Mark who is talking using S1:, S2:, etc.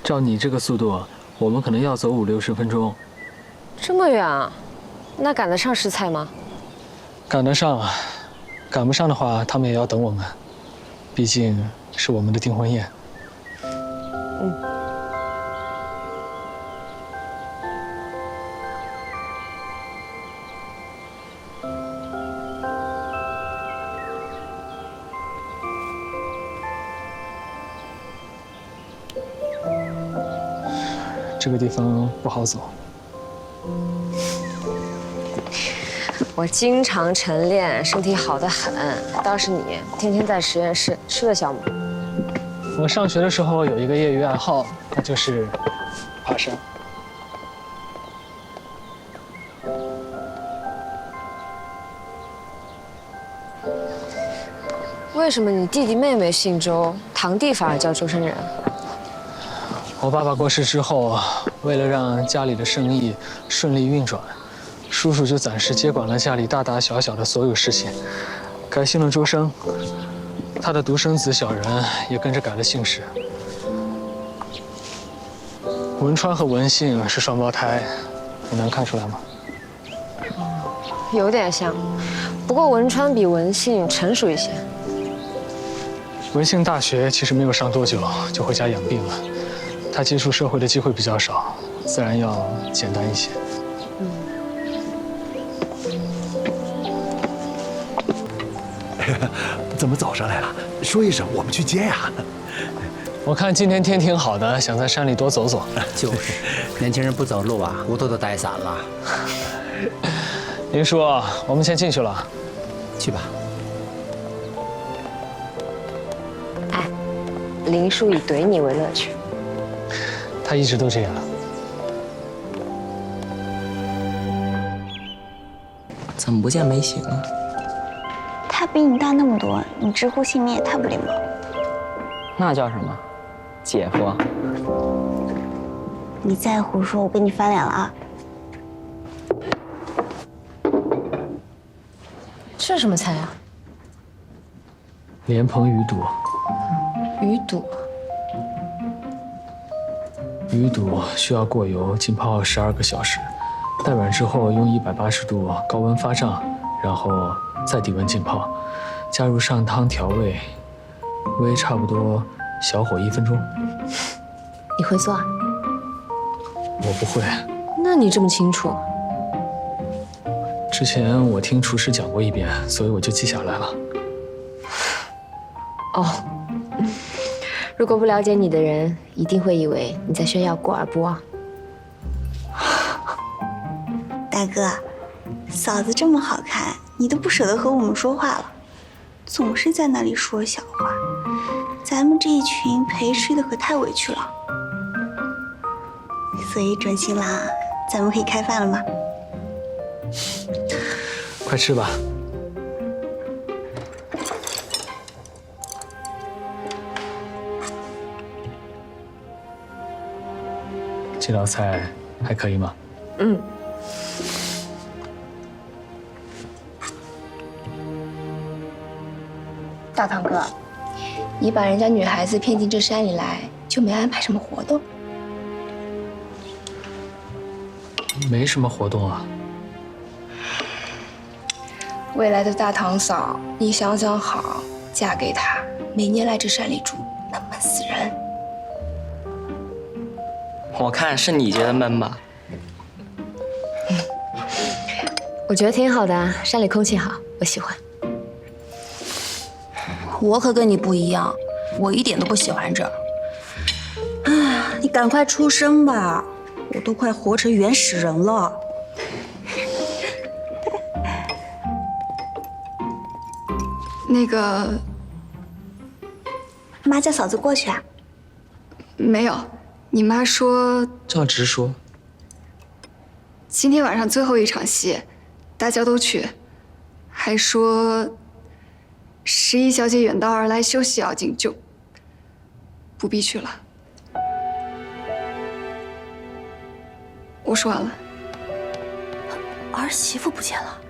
S1: 照你这个速度，我们可能要走50-60分钟。
S2: 这么远啊？那赶得上食材吗？
S1: 赶得上啊，赶不上的话，他们也要等我们，毕竟是我们的订婚宴。这个地方不好走。
S2: 我经常晨练，身体好得很。倒是你，天天在实验室，吃得消吗？
S1: 我上学的时候有一个业余爱好，那就是爬山。
S2: 为什么你弟弟妹妹姓周，堂弟反而叫周生人？
S1: 我爸爸过世之后，为了让家里的生意顺利运转，叔叔就暂时接管了家里大大小小的所有事情，改姓了周生。他的独生子小人也跟着改了姓氏。文川和文信是双胞胎，你能看出来吗？
S2: 有点像，不过文川比文信成熟一些。
S1: 文信大学其实没有上多久就回家养病了，他接触社会的机会比较少，自然要简单一些。
S3: 怎么早上来了？说一声，我们去接呀。
S1: 我看今天天挺好的，想在山里多走走。
S4: 就是，年轻人不走路啊，骨头都带散了。
S1: 林叔，我们先进去了。
S4: 去吧。
S2: 哎，林叔以怼你为乐趣。
S1: 他一直都这样。
S4: 怎么不见没醒啊？
S5: 他比你大那么多，你直呼姓名也太不礼貌了。
S4: 那叫什么？姐夫。
S5: 你再胡说，我跟你翻脸了啊！
S2: 这什么菜啊？
S1: 莲蓬鱼肚。
S2: 鱼肚。
S1: 鱼肚需要过油浸泡12个小时，待软之后用180度高温发胀，然后再低温浸泡，加入上汤调味，煨差不多小火1分钟。
S2: 你会做啊？
S1: 我不会。
S2: 那你这么清楚？
S1: 之前我听厨师讲过一遍，所以我就记下来了。
S2: 哦，如果不了解你的人，一定会以为你在炫耀过儿不忘。
S5: 大哥，嫂子这么好看，你都不舍得和我们说话了，总是在那里说小话，咱们这一群陪吃的可太委屈了。所以准新郎，咱们可以开饭了吗？
S1: 快吃吧。这道菜还可以吗？
S2: 嗯。
S6: 大堂哥，你把人家女孩子骗进这山里来，就没安排什么活动？
S1: 没什么活动啊。
S6: 未来的大堂嫂，你想想好，嫁给他，每年来这山里住，能闷死人。
S4: 我看是你觉得闷吧？
S2: 我觉得挺好的啊，山里空气好，我喜欢。
S6: 我可跟你不一样，我一点都不喜欢这儿。
S7: 啊，你赶快出声吧，我都快活成原始人了。
S6: 那个，
S5: 妈叫嫂子过去啊。
S6: 没有，你妈说
S1: 这样直说。
S6: 今天晚上最后一场戏，大家都去，还说11小姐远道而来休息要紧，就不必去了。我说完了。
S7: 儿媳妇不见了。